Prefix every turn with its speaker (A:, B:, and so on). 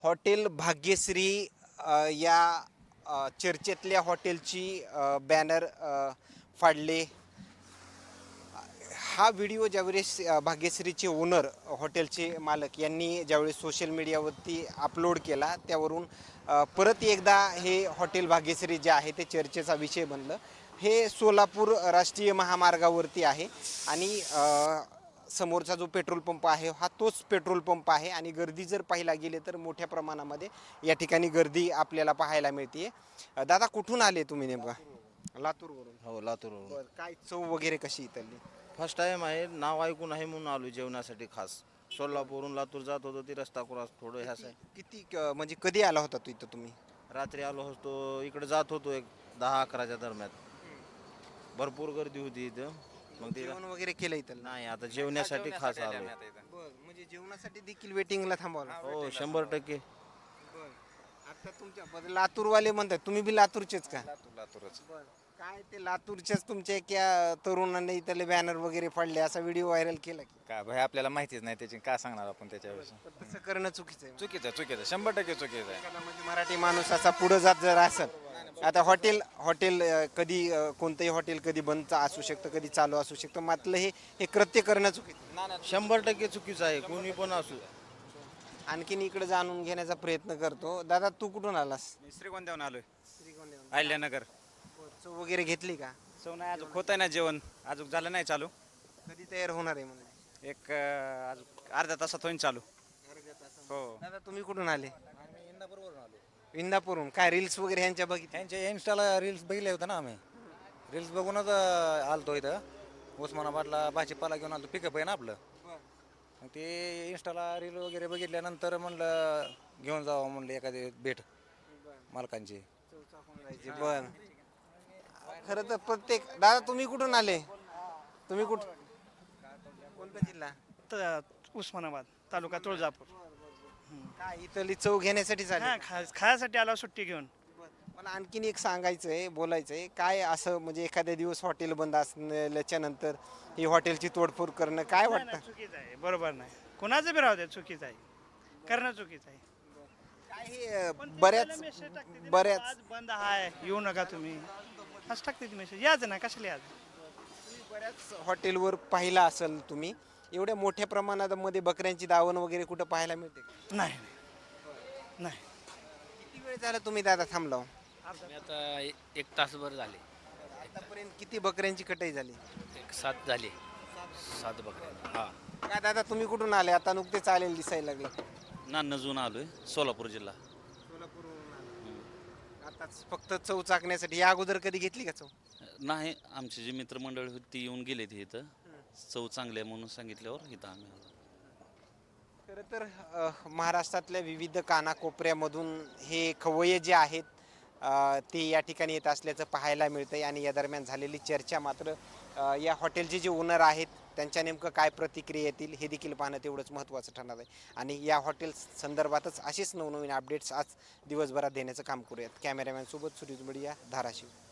A: Hotel Bhagyashree या चर्चेतल्या हॉटेलची banner फाडले. हा व्हिडिओ ज्यावेळेस भाग्यश्रीचे ओनर हॉटेलचे मालक यांनी ज्यावेळेस सोशल मीडियावरती अपलोड केला त्यावरून परत एकदा हे हॉटेल भाग्यश्री जे आहे ते चर्चेचा विषय बनलं. हे सोलापूर राष्ट्रीय महामार्गावरती आहे आणि समोरचा जो पेट्रोल पंप आहे हा तोच पेट्रोल पंप आहे आणि गर्दी जर पाहायला गेले तर मोठ्या प्रमाणामध्ये या ठिकाणी गर्दी आपल्याला पाहायला मिळते. दादा कुठून आले तुम्ही नेमका? लातूरवरून.
B: हो लातूरवरून.
A: बरं, काय चव वगैरे कशी इथली?
B: फर्स्ट टाइम आहे, नाव ऐकून आहे म्हणून आलो जेवणासाठी खास. सोलापूरहून लातूर जात होतो ती रस्ता क्रॉस थोडं ह्याच आहे.
A: किती म्हणजे कधी आला होता तू इथं तुम्ही?
B: रात्री आलो होतो इकडे जात होतो एक 10-11च्या दरम्यान. भरपूर गर्दी होती इथं. मग ते
A: जेवण वगैरे केलं इथं?
B: नाही आता जेवण्यासाठी खास आलो.
A: बरं, म्हणजे जेवणासाठी देखील वेटिंगला थांबवलं?
B: हो 100%.
A: आता तुमच्या लातूरवाले म्हणतात, तुम्ही बी लातूरचेच का?
B: लातूरच.
A: काय ते लातूरच्याच तुमच्या एका तरुणाने इथले बॅनर वगैरे फाडले असा व्हिडिओ व्हायरल केला की?
C: काय भाई आपल्याला माहितीच नाही त्याची काय सांगणार आपण त्याच्याविषयी.
A: पण तसं करणं चुकीचं आहे.
C: चुकीचं 100% चुकीचं आहे.
A: एखादा म्हणजे मराठी माणूस असा पुढे जात जर असेल, आता हॉटेल कधी कोणतंही हॉटेल कधी बंद असू शकतं, कधी चालू असू शकतं, मात्र हे कृत्य करणं चुकीचं आहे.
B: 100% चुकीचं आहे, कोणी पण असू.
A: आणखीन इकडे जाणून घेण्याचा प्रयत्न करतो. दादा तू कुठून आलास?
C: मी श्रीगोंद्याहून आलोय. अहिल्यानगर.
A: चव वगैरे घेतली का?
C: सो नाही अजून होत आहे ना जेवण, अजून झालं नाही चालू.
A: कधी तयार होणार आहे म्हणजे?
C: एक अजून अर्ध्या तासात होईन चालू. हो.
A: दादा तुम्ही कुठून आले? इंदापूरहून. काय रील्स वगैरे ह्यांच्या बघितल्या?
D: यांच्या इन्स्टाला रील्स बघितले होते ना आम्ही. रील्स बघूनच आलतो इथं उस्मानाबादला भाजीपाला घेऊन आलतो. पिकअप आहे ना आपलं. मग ते इन्स्टाला रील वगैरे बघितल्यानंतर म्हणलं घेऊन जावं म्हणलं एखादी भेट मालकांची.
A: बर, खरं तर प्रत्येक दादा तुम्ही कुठून आले? तुम्ही कोणता जिल्हा?
E: उस्मानाबाद तालुका तुळजापूर.
A: काय इथली चव घेण्यासाठी
E: हा
A: झाले?
E: खायासाठी आलो सुट्टी घेऊन.
A: मला आणखीन एक सांगायचंय, बोलायचंय, काय असं म्हणजे एखाद्या दिवस हॉटेल बंद असल्याच्या नंतर ही हॉटेलची तोडफोड करणं काय
E: नाही,
A: वाटतं?
E: नाही, चुकीचं आहे, बरोबर नाही. कोणाचं बी राहू द्या, चुकीचं आहे, करणं चुकीचं आहे.
A: काय हे
E: पण ते
A: बऱ्याच
E: पहिला message टाकते ते,
A: बऱ्याच
E: आज बंद आहे येऊ नका तुम्ही, असं टाकते ती मेसेज. याच ना कशाला याच.
A: बऱ्याच हॉटेलवर पाहिला असेल तुम्ही, एवढ्या मोठ्या प्रमाणात मध्ये बकऱ्यांची दावण वगैरे कुठं पाहायला मिळते का?
E: नाही नाही.
A: किती वेळ झाला तुम्ही दादा थांबला?
F: मी आता एक तासभर झाले.
A: आतापर्यंत किती बकऱ्यांची कटाई झाली?
F: एक 7 झाले. 7 बकऱ्या. हा.
A: काय दादा तुम्ही कुठून आले? आता नुकतेच आलेले दिसायला लागलं.
F: नान्नजून आलोय, सोलापूर जिल्हा.
A: आताच फक्त चव चाकण्यासाठी. या अगोदर कधी घेतली का चव?
F: नाही, आमची जी मित्रमंडळ होती ती येऊन गेले ते इथं. चव चांगली आहे म्हणून सांगितल्यावर इथं आम्ही आलो.
A: खरं तर महाराष्ट्रातल्या विविध कानाकोपऱ्यामधून हे खवय्ये जे आहेत ते या ठिकाणी येत असल्याचं पाहायला मिळतंय आणि या दरम्यान झालेली चर्चा मात्र या हॉटेलचे जे ओनर आहेत त्यांच्या नेमकं काय प्रतिक्रिया येतील हे देखील पाहणं तेवढंच महत्त्वाचं ठरणार आहे. आणि या हॉटेल संदर्भातच असेच नवनवीन अपडेट्स आज दिवसभरात देण्याचं काम करूयात. कॅमेरामॅन सोबत सुरेश बडिया, धाराशिव.